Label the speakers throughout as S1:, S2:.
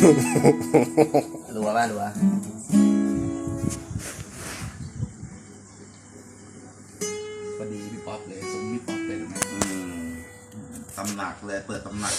S1: รัวป่ะรัวพอดีพี่ป๊อปเลยสมพี่ป๊อปเลยนะ
S2: ตำหนักเลยเปิดตำหนัก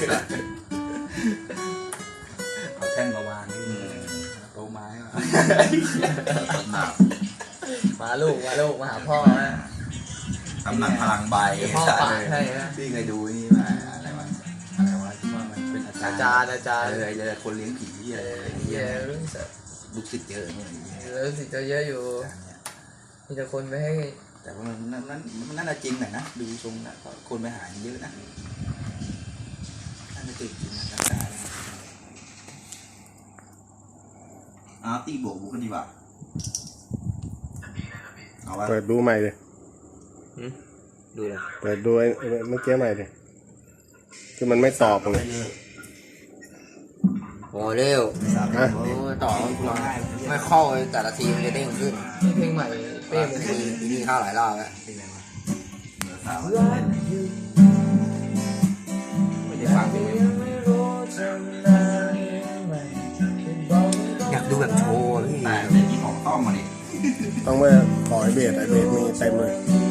S1: เอาแท่นมาวางนี่โตไม้มา
S2: ตำหนัก
S1: มาลูกมาหาพ่อนะ
S2: ตำหนักพลังใบ
S1: พ่อป่าใช่ไหม
S2: พี่เคยดูนี่มาอะไรวะที่ว่ามันเป็นอาจารย์คนเลี้ยงผีอะไร
S1: เยอะ
S2: ลูกศิษย์เยอะเลย
S1: ลูกศิษย์เยอะอยู่มีแต่คนไปให้
S2: แต่ว่ามันน่าจะจริงหน่อยนะดูทรงนะคนไปหาเยอะนะน่าจะจริงนะตีบวกกันดีกว่า
S3: เปิดดูใหม่เลย
S1: ดูเลย
S3: เปิดดูเมื่อกี้ใหม่เลยคือมันไม่ตอบเลย
S1: โอ้เร็วต่อไม่เข้าแต่ละทีมันจะเด้งขึ้นเพลงใหม่เป้มันมีเข้าหลายรอบแล้วไม่ได้ฟังเพลงอยากดูแบบโชว์พี่
S2: แต่ที่ของต้องมาดิ
S3: ต้องไปขอไอเบสมีเต็มเลย